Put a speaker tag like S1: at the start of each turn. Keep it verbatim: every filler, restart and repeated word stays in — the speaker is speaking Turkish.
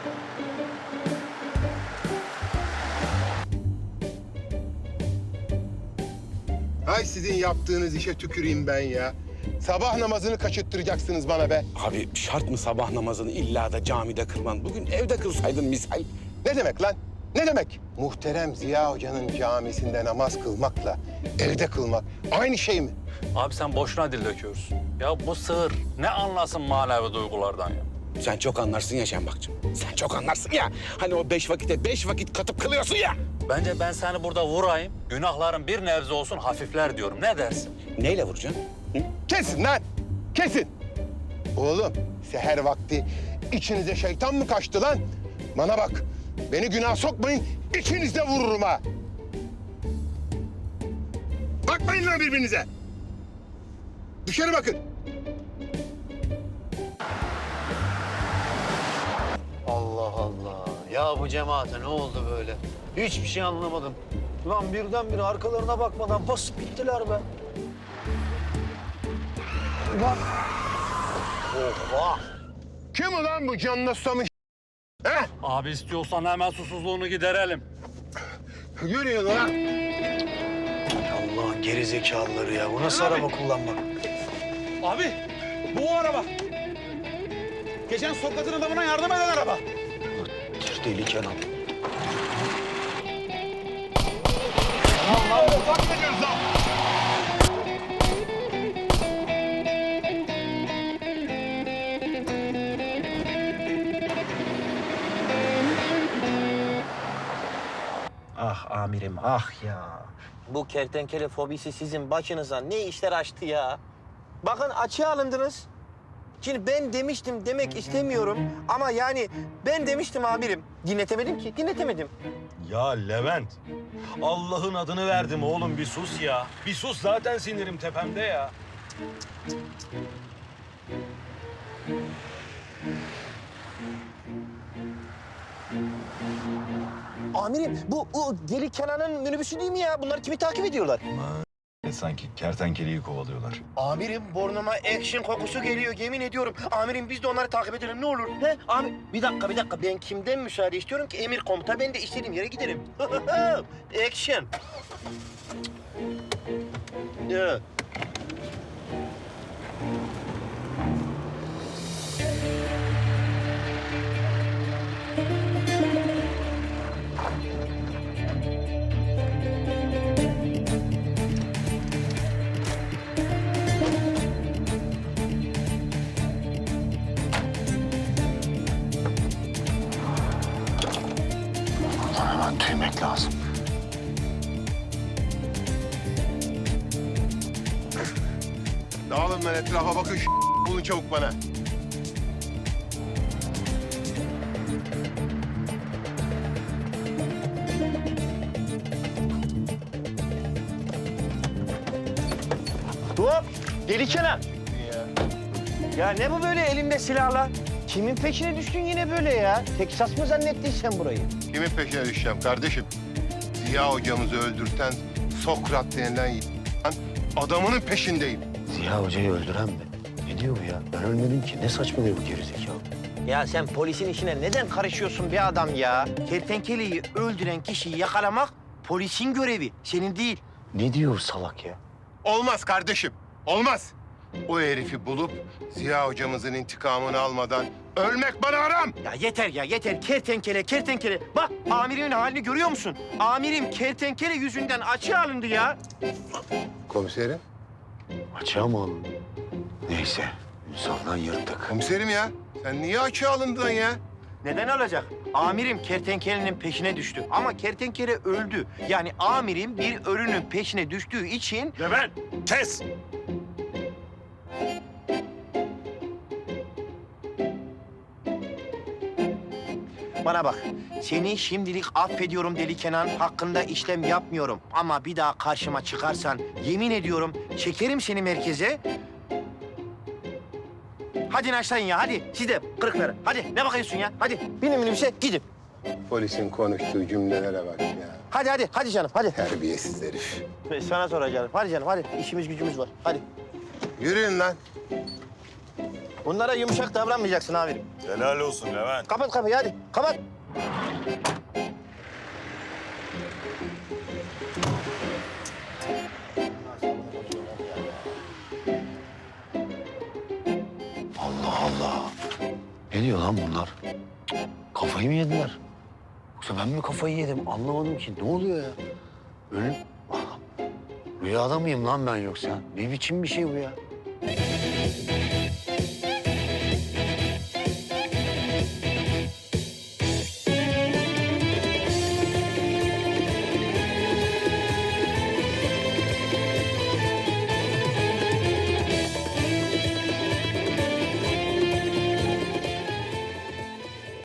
S1: Ay sizin yaptığınız işe tüküreyim ben ya. Sabah namazını kaçırttıracaksınız bana be.
S2: Abi şart mı sabah namazını illa da camide kılman? Bugün evde kılsaydın misal.
S1: Ne demek lan? Ne demek? Muhterem Ziya Hoca'nın camisinde namaz kılmakla evde kılmak aynı şey mi?
S3: Abi sen boşuna dil döküyorsun. Ya bu sığır ne anlasın manevi duygulardan ya?
S2: Sen çok anlarsın ya Şembakcığım. Sen çok anlarsın ya. Hani o beş vakite beş vakit katıp kılıyorsun ya.
S3: Bence ben seni burada vurayım, günahların bir nebze olsun hafifler diyorum. Ne dersin?
S2: Neyle vuracaksın? Hı?
S1: Kesin lan! Kesin! Oğlum, seher vakti içinize şeytan mı kaçtı lan? Bana bak, beni günah sokmayın, ikiniz de vururum ha! Bakmayın lan birbirinize! Dışarı bakın!
S4: Allah Allah. Ya bu cemaate ne oldu böyle? Hiçbir şey anlamadım. Lan birdenbire arkalarına bakmadan basıp gittiler be. Lan. Oha.
S1: Kim ulan bu canına susamış? He?
S3: Abi istiyorsan hemen susuzluğunu giderelim.
S1: Yürüyün lan!
S4: Allah'ın geri zekalıları ya. Bu nasıl araba kullanmak?
S5: Abi, bu o araba. Geçen Sokrat'ın adamına yardım eden araba.
S4: Deli Kenan.
S6: Ah amirim, ah ya. Bu kertenkele fobisi sizin başınıza ne işler açtı ya? Bakın açığa alındınız. Şimdi ben demiştim demek istemiyorum ama yani ben demiştim amirim. Dinletemedim ki, dinletemedim.
S7: Ya Levent, Allah'ın adını verdim oğlum bir sus ya. Bir sus zaten sinirim tepemde ya.
S6: Amirim bu o deli Kenan'ın minibüsü değil mi ya? Bunlar kimi takip ediyorlar?
S7: Sanki kertenkeleyi kovalıyorlar.
S6: Amirim burnuma action kokusu geliyor yemin ediyorum. Amirim biz de onları takip edelim ne olur. He? Amir bir dakika bir dakika ben kimden müsaade istiyorum ki emir komuta ben de istediğim yere giderim. Action. Ya.
S4: Hemen tüymek lazım.
S1: Dağılın lan etrafa bakın, bulun çabuk bana.
S6: Hop! Deli Kenan. Ya ne bu böyle elinde silahla? Kimin peşine düştün yine böyle ya? Teksas mı zannettin sen burayı?
S1: Kimin peşine düşeceğim kardeşim? Ziya hocamızı öldürten Sokrat denilen y***den adamının peşindeyim.
S4: Ziya Hoca'yı öldüren mi? Ne diyor bu ya? Ben ölmedim ki. Ne saçmalıyor bu gerizekalı?
S6: Ya sen polisin işine neden karışıyorsun be adam ya? Kertenkeleyi öldüren kişiyi yakalamak polisin görevi, senin değil.
S4: Ne diyor bu salak ya?
S1: Olmaz kardeşim, olmaz. O herifi bulup Ziya hocamızın intikamını almadan ölmek bana haram.
S6: Ya yeter ya yeter kertenkele kertenkele. Bak amirimin halini görüyor musun? Amirim kertenkele yüzünden açığa alındı ya.
S1: Komiserim,
S4: Açığa mı alındı? Neyse. Ünsal'dan yırttık.
S1: komiserim ya. Sen niye açığa alındın ya?
S6: Neden alacak? Amirim kertenkelenin peşine düştü. Ama kertenkele öldü. Yani amirim bir ölünün peşine düştüğü için...
S7: Levent, kes!
S6: Bana bak, seni şimdilik affediyorum Deli Kenan. Hakkında işlem yapmıyorum. Ama bir daha karşıma çıkarsan yemin ediyorum çekerim seni merkeze. Hadi naşlayın ya, hadi. Siz de kırıkları. Hadi, ne bakıyorsun ya? Hadi, binin minibüse, gidin.
S1: Polisin konuştuğu cümlelere bak ya.
S6: Hadi, hadi, hadi canım, hadi.
S1: Terbiyesiz herif.
S6: Sana soracağım. Hadi canım, hadi. İşimiz gücümüz var. Hadi.
S1: Yürüyün lan.
S6: Bunlara yumuşak davranmayacaksın amirim.
S7: Helal olsun Levent.
S6: Kapat kapıyı hadi. Kapat.
S4: Allah Allah. Ne diyor lan bunlar? Cık, Kafayı mı yediler? Yoksa ben mi kafayı yedim? Anlamadım ki. Ne oluyor ya? Ölüm... Rüyada mıyım lan ben yoksa? Ne biçim bir şey bu ya?